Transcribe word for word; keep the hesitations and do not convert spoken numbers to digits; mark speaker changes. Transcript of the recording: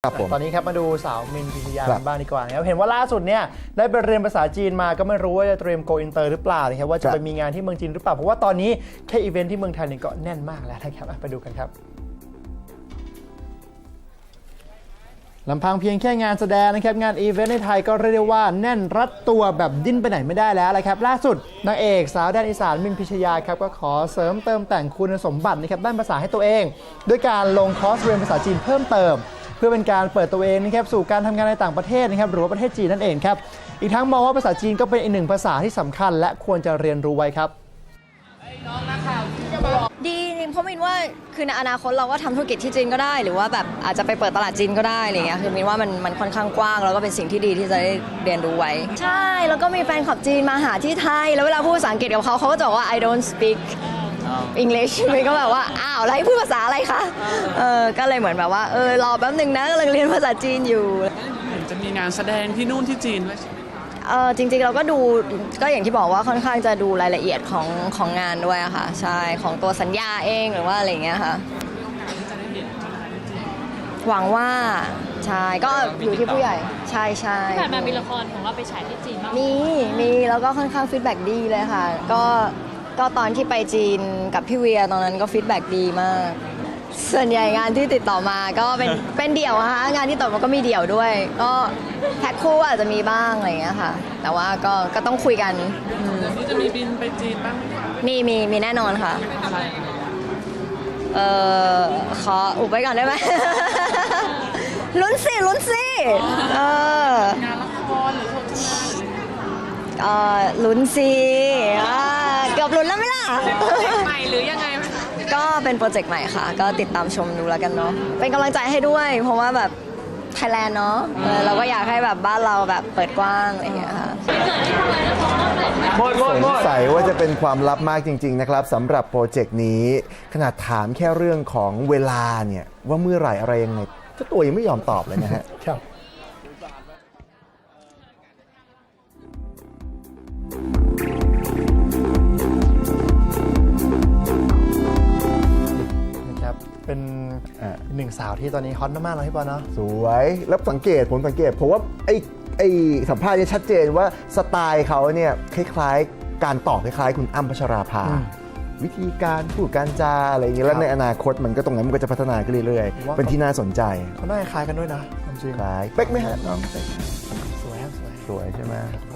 Speaker 1: ตอนนี้ครับมาดูสาวมินพิชยาบ้างดีกว่าครับเห็นว่าล่าสุดเนี่ยได้ไปเรียนภาษาจีนมาก็ไม่รู้ว่าจะเตรียมโกอินเตอร์หรือเปล่านะครับว่าจะไปมีงานที่เมืองจีนหรือเปล่าเพราะว่าตอนนี้แค่อีเวนท์ที่เมืองไทยนี่ก็แน่นมากแล้วนะครับไปดูกันครับลำพังเพียงแค่งานแสดงนะครับงานอีเวนต์ในไทยก็เรียกได้ว่าแน่นรัดตัวแบบดิ้นไปไหนไม่ได้แล้วนะครับล่าสุดนางเอกสาวแดนอีสานมินพิชยาครับก็ขอเสริมเติมแต่งคุณสมบัตินะครับด้านภาษาให้ตัวเองด้วยการลงคอร์สเรียนภาษาจีนเพิ่มเติมเพื่อเป็นการเปิดตัวเองนะครับสู่การทำงานในต่างประเทศนะครับหรือว่าประเทศจีนนั่นเองครับอีกทั้งมองว่าภาษาจีนก็เป็นอีกหนึ่งภาษาที่สำคัญและควรจะเรียนรู้ไว้ครับ
Speaker 2: ดีเพราะมินว่าคือในอนาคตเราก็ทำธุรกิจที่จีนก็ได้หรือว่าแบบอาจจะไปเปิดตลาดจีนก็ได้อะไรเงี้ยคือมินว่ามันมันค่อนข้างกว้างแล้วก็เป็นสิ่งที่ดีที่จะได้เรียนรู้ไว้ใช่แล้วก็มีแฟนคลับจีนมาหาที่ไทยแล้วเวลาพูดภาษาอังกฤษกับเขาเขาก็จะบอกว่า I don't speak English มินก็แบบว่าอ้าวแล้วให้พูดภาษาอะไรคะเออก็เลยเหมือนแบบว่าเออรอแป๊บนึงนะกำลังเรียนภาษาจีนอยู่
Speaker 3: จะมีงานแสดงที่นู่นที่จีนไหม
Speaker 2: เออจริงๆเราก็ดูก็อย่างที่บอกว่าค่อนข้างจะดูรายละเอียดของของงานด้วยค่ะใช่ของตัวสัญญาเองหรือว่าอะไรเงี้ยค่ะหวังว่าใช่ก็อยู่ที่ผู้ใหญ่ใช่ใช่
Speaker 4: ที่ผ่านมามีละครของเราไปฉายที่จีนบ้าง
Speaker 2: มีมีแล้วก็ค่อนข้างฟีดแบ็กดีเลยค่ะก็ก็ตอนที่ไปจีนกับพี่เวียตอนนั้นก็ฟีดแบ็กดีมากส่วนใหญ่งานที่ติดต่อมาก็เป็นเป็นเดี่ยวนะคะงานที่ต่อมาก็มีเดี่ยวด้วยก็แพ็คคู่อาจจะมีบ้างอะไรอย่างเงี้ยค่ะแต่ว่าก็ก็ต้องคุยกัน
Speaker 3: นี่จะมีบินไปจีนบ้าง
Speaker 2: มีมีมีแน่นอนค่ะเออขออุบไว้ก่อนได้ไหม ลุ้นสิลุ้นสิเอองานละครหรือโฆษณาเออลุ้นสิเกือบลุ้นแล้วไหมล่ะ
Speaker 3: ใหม่หรือยังไง
Speaker 2: ก็เป็นโปรเจกต์ใหม่ค่ะก็ติดตามชมดูแล้วกันเนาะเป็นกำลังใจให้ด้วยเพราะว่าแบบไทยแลนด์เนาะเราก็อยากให้แบบบ้านเราแบบเปิดกว้างอะไรอย่างเงี้ยค่ะ
Speaker 5: สงสัยว่าจะเป็นความลับมากจริงๆนะครับสำหรับโปรเจกต์นี้ขนาดถามแค่เรื่องของเวลาเนี่ยว่าเมื่อไหร่อะไรยังไงเจ้าตัวยังไม่ยอมตอบเลยนะฮะ
Speaker 1: ครับเป็นหนึ่งสาวที่ตอนนี้ฮอตมากๆเลยพี่ปอเนาะ
Speaker 5: สวยแล้วสังเกตผมสังเกตผมว่าไอ้ไอ้สัมภาษณ์เนี่ยชัดเจนว่าสไตล์เขาเนี่ยคล้ายๆการตอบคล้ายๆคุณอ้ำพัชราภาวิธีการพูดการจาอะไรอย่างเงี้ยแล้วในอนาคตมันก็ตรงนั้นมันก็จะพัฒนาขึ้นเรื่อยๆเป็นที่น่าสนใจ
Speaker 1: เขาหน้าคล้ายกันด้วยนะจริง
Speaker 5: คล้ายเป๊กไหมฮะน้อง
Speaker 1: สวยครับสวย
Speaker 5: สวยใช่ไหม